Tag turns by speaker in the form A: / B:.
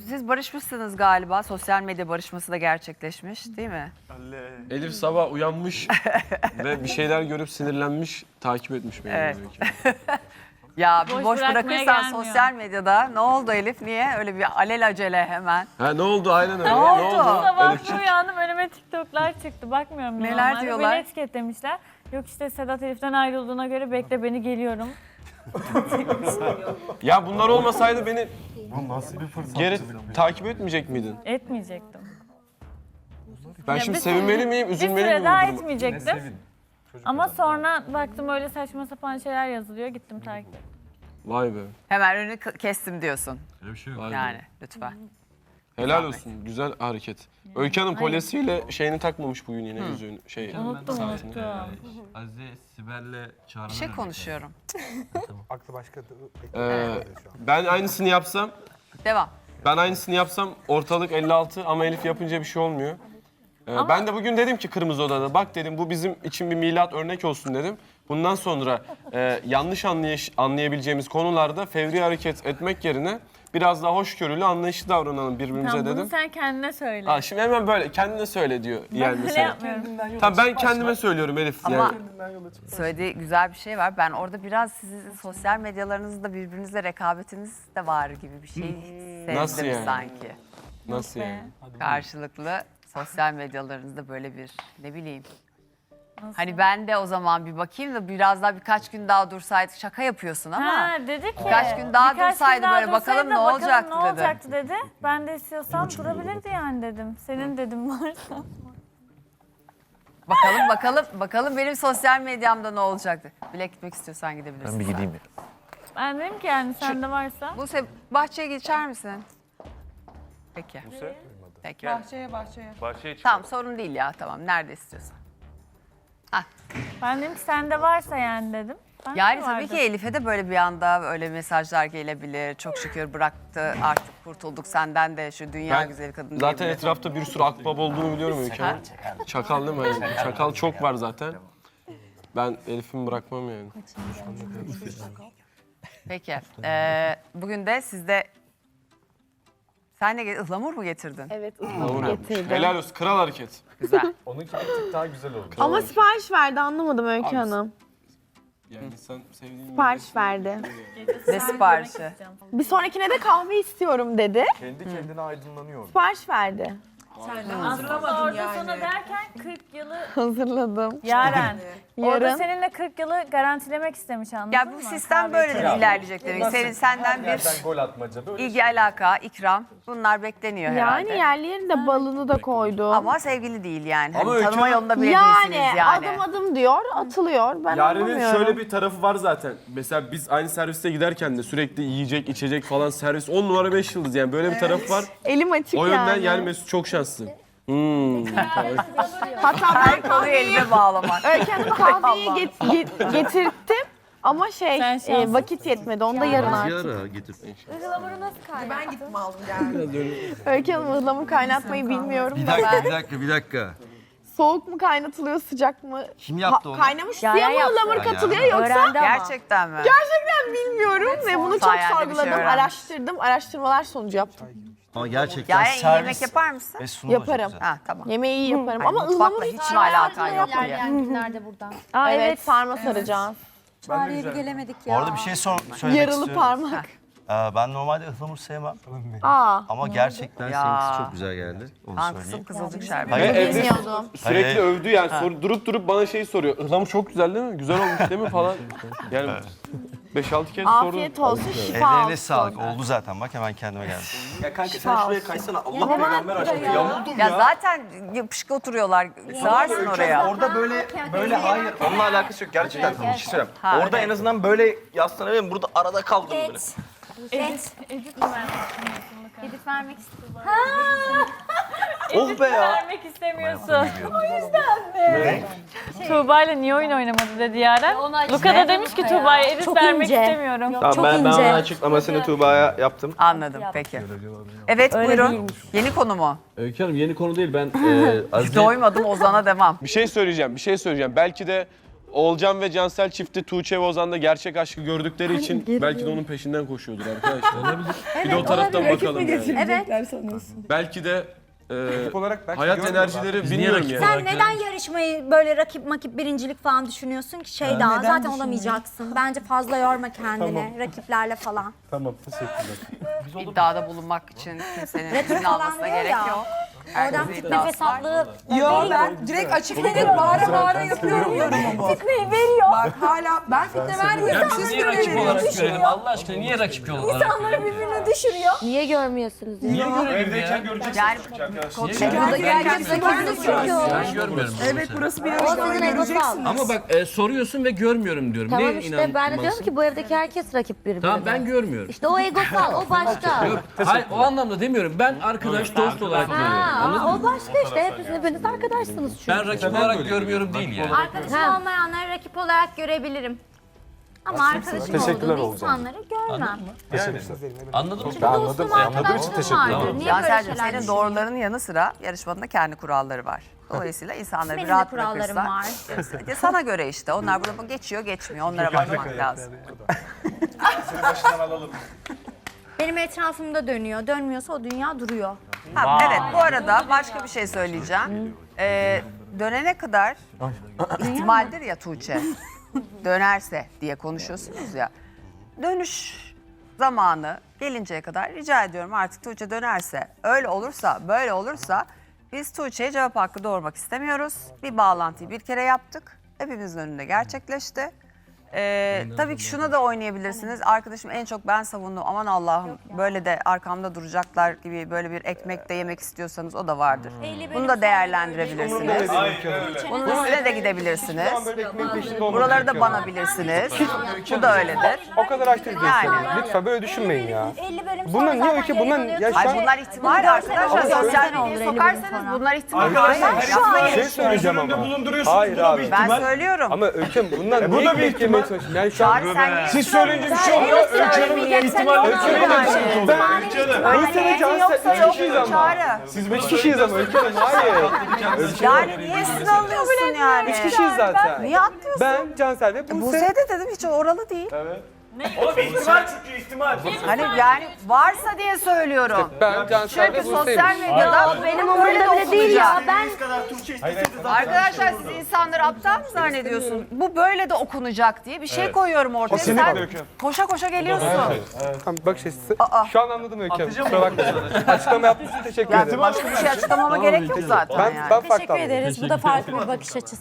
A: Siz barışmışsınız galiba. Sosyal medya barışması da gerçekleşmiş değil mi?
B: Elif sabah uyanmış ve bir şeyler görüp sinirlenmiş, takip etmiş beni.
A: Evet.
B: Belki.
A: Ya bir
C: Boş
A: boş
C: bırakmaya
A: bırakırsan
C: gelmiyor.
A: sosyal medyada ne oldu Elif? Niye? Öyle bir alelacele hemen.
B: Ha ne oldu? Aynen öyle.
A: Ne oldu?
C: Sabah
B: Elifciğim?
C: bir uyandım önüme TikTok'lar çıktı. Bakmıyorum
A: Neler
C: normalde.
A: diyorlar?
C: Beni etiketlemişler. Yok işte Sedat Elif'ten ayrıldığına göre bekle beni geliyorum.
B: Ya bunlar olmasaydı beni
D: Bu nasıl bir fırsat?
B: geri takip etmeyecek miydin?
C: Etmeyecektim.
B: Ben
C: Ya
B: şimdi
C: bir
B: sevinmeli miyim,
C: Bir
B: üzülmeli
C: süre
B: miyim
C: daha
B: bu duruma?
C: etmeyecektim.
D: Sevin. Çocuk
C: Ama
D: adam.
C: sonra baktım öyle saçma sapan şeyler yazılıyor. Gittim takip ettim.
B: Vay be.
A: Hemen önünü kestim diyorsun.
D: Öyle bir şey yok.
B: Vay be.
A: Yani lütfen.
B: Helal olsun. Güzel hareket. Öykü Hanım kolyesiyle şeyini takmamış bugün yine yüzüğünü.
C: Unuttum
B: saatini.
C: unuttum.
E: Azize Sibel'le Çağrı'nın
A: Bir şey konuşuyorum.
F: Aklı başka
B: Ben aynısını yapsam,
A: Devam.
B: ortalık 56 ama Elif yapınca bir şey olmuyor. Ben de bugün dedim ki Kırmızı Oda'da bak dedim bu bizim için bir milat örnek olsun dedim. Bundan sonra yanlış anlayabileceğimiz konularda fevri hareket etmek yerine biraz daha hoşgörülü, anlayışlı davranalım birbirimize
C: Tamam bunu
B: dedim.
C: sen kendine söyle.
B: Aa, şimdi hemen böyle kendine söyle diyor yani
C: Ben öyle
B: mesela.
C: yapmıyorum.
B: Tamam ben kendime söylüyorum Elif.
A: Ama
B: Yani.
A: söylediği güzel bir şey var. Ben orada biraz sizin sosyal medyalarınızda birbirinizle rekabetiniz de var gibi bir şey
B: Nasıl
A: sezdim
B: yani?
A: sanki.
B: Nasıl yani?
A: Karşılıklı sosyal medyalarınızda böyle bir ne bileyim.
C: Nasıl?
A: Hani ben de o zaman bir bakayım da biraz daha birkaç gün daha dursaydık şaka yapıyorsun ama.
C: Ha dedi ki.
A: Birkaç gün daha dursaydı
C: daha
A: böyle, bakalım
C: dursaydı da
A: ne olacaktı
C: ne
A: dedi.
C: olacaktı dedi. Ben de istiyorsam durabilirdi yani dedim. Senin dedim varsa.
A: Bakalım benim sosyal medyamda ne olacaktı. Bile gitmek istiyorsan gidebilirsin.
E: Ben bir gideyim ya.
C: Ben dedim ki yani sende varsa.
A: Buse bahçeye geçer misin? Peki. Peki.
G: Bahçeye çık.
A: Tamam sorun değil ya tamam nerede istiyorsan.
C: Ben dedim ki sende varsa yani dedim. Ben
A: Yani
C: de
A: tabii
C: vardı.
A: ki Elif'e de böyle bir anda öyle mesajlar gelebilir. Çok şükür bıraktı artık kurtulduk senden de şu dünya
B: Ben
A: güzeli kadın
B: zaten
A: diyebilir.
B: etrafta bir sürü akbaba olduğunu biliyorum Öykü Hanım. Çakal değil mi? Yani çakal çok var zaten. Ben Elif'imi bırakmam yani.
A: Peki. Bugün de sizde sen ne ıhlamur mu getirdin?
H: Evet,
B: Doğru.
H: getirdim.
B: Helal olsun. Kral hareket.
A: Güzel.
D: Onunki bir tık daha güzel oldu.
B: Kral
H: Ama
B: hareket.
H: sipariş verdi anlamadım Öykü
B: Abi,
H: Hanım.
B: Yani sen sevdiğin
H: Sipariş verdi.
A: Ne siparişi?
H: Bir sonrakine de kahve istiyorum dedi.
D: Kendi kendine aydınlanıyor.
H: Sipariş verdi.
C: Aslında orada sana derken 40 yılı
H: Hazırladım.
C: Yaren. Orada
H: Yarın.
C: seninle 40 yılı garantilemek istemiş anladın
A: Ya
C: mı?
A: bu sistem
C: Kahve
A: böyle
C: içelim.
A: de ilerleyecek demek. Senden bir
D: Yerden gol atmaca böyle
A: ilgi alaka, ikram bunlar bekleniyor herhalde.
H: Yani yerli yerinde balını da koydum.
A: Ama sevgili değil yani.
B: Ama
A: Hani
B: Öykü
A: tanıma
B: Hanım-
A: yolunda bile
H: yani,
A: değilsiniz yani.
H: adım adım diyor, atılıyor. Ben
B: Yaren'in
H: anlamıyorum.
B: şöyle bir tarafı var zaten. Mesela biz aynı serviste giderken de sürekli yiyecek, içecek falan servis 10 numara 5 yıldız yani böyle bir tarafı var.
H: Elim açık
B: O yönden
H: yani.
B: yani Mesut çok şanslı.
H: Hatta
A: Her
H: ben
A: konuyu elime bağlamak.
H: Öykü Hanım kahveyi getirttim. Ama
C: Sen şanslısın.
H: vakit yetmedi. Onu da yarın artık.
E: Yara getir.
C: Ihlamuru nasıl kaynattın?
H: Öykü Hanım ıhlamur kaynatmayı bilmiyorum.
E: Bir
H: da
E: dakika,
H: ben-
E: bir dakika, bir dakika.
H: Soğuk mu kaynatılıyor, sıcak mı?
E: Kim yaptı onu?
H: Kaynamış suya
C: Yaren
H: mı
C: yaptı.
H: ıhlamur
E: Ya.
H: katılıyor yoksa?
C: Öğrendi ama.
A: Gerçekten mi?
H: Bilmiyorum ve bunu çok
A: sayende bir şey
H: sorguladım,
A: öğrenmiş.
H: araştırdım. Araştırmalar sonucu yaptım.
E: Ama gerçekten
A: Ya iyi yemek yapar mısın?
E: ve sunum da çok
H: Yaparım.
E: güzel.
A: Ha tamam.
H: Yemeği iyi yaparım
A: Ay,
H: ama
A: mutfakla
H: ıhlamur
A: hiç mi alakan yok diye.
I: İlerleyen günlerde buradan.
C: Aa,
H: Evet,
C: evet.
H: sarma saracağız.
I: Çağrı'ya bir gelemedik ya.
E: Bu arada bir şey söylemek
H: Yarılı
E: istiyorum.
H: parmak.
E: Ben normalde ıhlamur sevmem.
H: Aa,
E: Ama gerçekten
A: Ya.
E: seninkisi çok güzel geldi. Onu
A: Ben kısım
E: söyleyeyim.
A: kızılcık şerbeti.
E: Hayır,
B: Evde
H: bilmiyordum.
B: sürekli
E: Hayır.
B: övdü yani durup bana şey soruyor. Ihlamur çok güzel değil mi? Güzel olmuş değil mi falan. Yani 5-6 kez sordu.
H: afiyet olsun, şifa
E: Ellerine
H: olsun.
E: sağlık. Oldu zaten. Bak hemen kendime geldim.
B: Ya kanka
H: sen şuraya
B: kaysana. Allah peygamber aşkına yamuldum
A: Ya zaten yapışık oturuyorlar. Sığarsın oraya.
J: Orada böyle hayır onunla alakası yok gerçekten bir şey söyleyeyim.
A: Ha,
J: Orada
A: evet.
J: en azından böyle yaslanabilirim. Burada arada kaldım böyle.
I: Edit vermek istiyorum.
J: Oh be ya.
C: Vermek istemiyorsun. O yüzden mi? Tuğba ile niye oyun oynamadı dedi Yaren. Luka da demiş ki Tuğba'ya edit
H: Çok
C: vermek
H: ince.
C: istemiyorum.
J: Tamam ben onun açıklamasını Tuğba'ya yaptım.
A: Anladım peki. Evet
C: Öyle
A: buyurun.
C: değilmiş.
A: Yeni konu mu?
E: Öykü Hanım yeni konu değil. Ben Azize...
A: Doymadım Ozan'a devam.
B: Bir şey söyleyeceğim. Belki de Oğulcan ve Cansel çifti Tuğçe ve Ozan'da gerçek aşkı gördükleri için belki de onun peşinden koşuyordur arkadaşlar. Olabilir. Bir de o taraftan bakalım yani.
I: Evet.
B: Belki de
F: olarak belki
B: hayat
F: görmüyorlar.
B: enerjileri bilmiyorum yani.
I: Sen neden yarışmayı böyle rakip birincilik falan düşünüyorsun ki daha zaten olamayacaksın. Bence fazla yorma kendini rakiplerle falan.
F: Tamam teşekkürler.
A: İddiada bulunmak için kimsenin
I: Retro
A: izin
I: falan
A: almasına
I: diyor
A: gerek
I: ya.
A: yok.
I: Oradan
A: Herkesin
I: tip
A: iddiası
I: nefes
A: var.
I: atlığı
K: Yo ben direkt açık net bağıra yapıyorum yorumu.
I: Fitneyi veriyor.
K: Bak hala ben fitne vermiyorum. Siz
L: Niye rakip olarak görelim Allah aşkına? Niye rakip olarak
I: İnsanları birbirine düşürüyor.
H: Niye görmüyorsunuz?
L: Niye görelim ya?
A: Yani
K: herkes
L: Ben görmüyorum.
K: Evet burası bir yarışma göreceksiniz.
L: Ama bak soruyorsun ve görmüyorum diyorum.
H: Tamam
L: ne
H: işte ben de diyorum ki bu evdeki herkes rakip birbirine.
L: Tamam ben görmüyorum.
H: İşte o egosal, o başka.
L: Yok, hayır o anlamda demiyorum. Ben arkadaş dost olarak görüyorum.
H: Ha, o başka işte. Hepiniz arkadaşsınız çünkü.
L: Ben rakip olarak görmüyorum değil yani.
I: Arkadaşım olmayanları rakip olarak görebilirim. Ama arkadaşım
F: Teşekkürler
I: olduğum
F: Oğuzhan.
I: insanları görmem.
L: Anladın mı?
I: Çünkü dostum arkadaşım vardır. Niye böyle
A: Cansel'cim
I: şeyler
A: senin
I: düşünüyorsun?
A: doğrularının yanı sıra yarışmanın da kendi kuralları var. Dolayısıyla insanları bir
I: Benim de
A: rahat
I: kurallarım
A: bırakırsan.
I: var.
A: Sana göre işte. Onlar burada geçiyor geçmiyor. Onlara bakmak lazım.
I: Benim etrafımda dönüyor. Dönmüyorsa o dünya duruyor.
A: Ha, evet bu arada başka bir şey söyleyeceğim. Dönene kadar ihtimaldir ya Tuğçe. Dönerse diye konuşuyorsunuz ya. Dönüş zamanı gelinceye kadar rica ediyorum artık Tuğçe dönerse, öyle olursa, böyle olursa biz Tuğçe'ye cevap hakkı doğurmak istemiyoruz. Bir bağlantıyı bir kere yaptık. Hepimizin önünde gerçekleşti. Tabii ki şuna da oynayabilirsiniz. Arkadaşım en çok ben savundum. Aman Allah'ım böyle de arkamda duracaklar gibi böyle bir ekmek de yemek istiyorsanız o da vardır. Bunu da değerlendirebilirsiniz. Bunun üstüne de gidebilirsiniz. Buraları da banabilirsiniz. Bu da öyledir.
F: O kadar açtınız
A: Yani.
F: lütfen böyle düşünmeyin ya.
I: 50 bölüm
F: Bunlar
I: sonra
F: niye
I: zaten
F: öykü?
I: geri
F: Bunlar
I: dönüyorsun.
F: ya şu
A: Ay
F: an
A: bunlar ihtimal arkadaşlar.
I: Sosyal
A: Sosyal
I: medyaya
A: medyaya
I: sokarsanız
A: sokarsanız bunlar ihtimal.
F: bir şey söyleyeceğim ama. Hayır abi.
A: Ben söylüyorum.
F: Ama Öyküm bunlar niye ekmek yemeye çalışıyorsun? Yani şu an
A: Çağrı sen niye
F: siz söyleyince bir şey oluyor. Öykü'yle Cansel 3 kişiyiz ama.
A: Çağrı.
F: Siz 5 kişiyiz ama Öykü'yle hayır.
A: Yani niye siz alıyorsun yani?
F: 3 kişiyiz zaten.
A: Niye atlıyorsun?
F: Ben, Cansel ve Buse.
A: Buse de dedim hiç oralı değil.
D: ihtimal çünkü ihtimal.
A: Hani yani varsa diye söylüyorum.
F: Ben, Cansel ve
A: Çünkü
F: Buse'yim.
A: sosyal medyada benim umurumda bile değil ya.
I: Ben
A: Arkadaşlar siz insanları aptal mı zannediyorsun? Bu böyle de okunacak diye bir şey koyuyorum ortaya. Sen koşa koşa geliyorsun.
F: Tamam bak işte
A: Aa.
F: şu an anladım Öyküm. Kusura bakmayın. Açıklama yaptığınız için teşekkür ederim.
A: Başka bir şey açıklamama gerek yok zaten yani.
F: Ben farklı
I: teşekkür
F: anladım.
I: ederiz. Bu da farklı bir bakış açısı.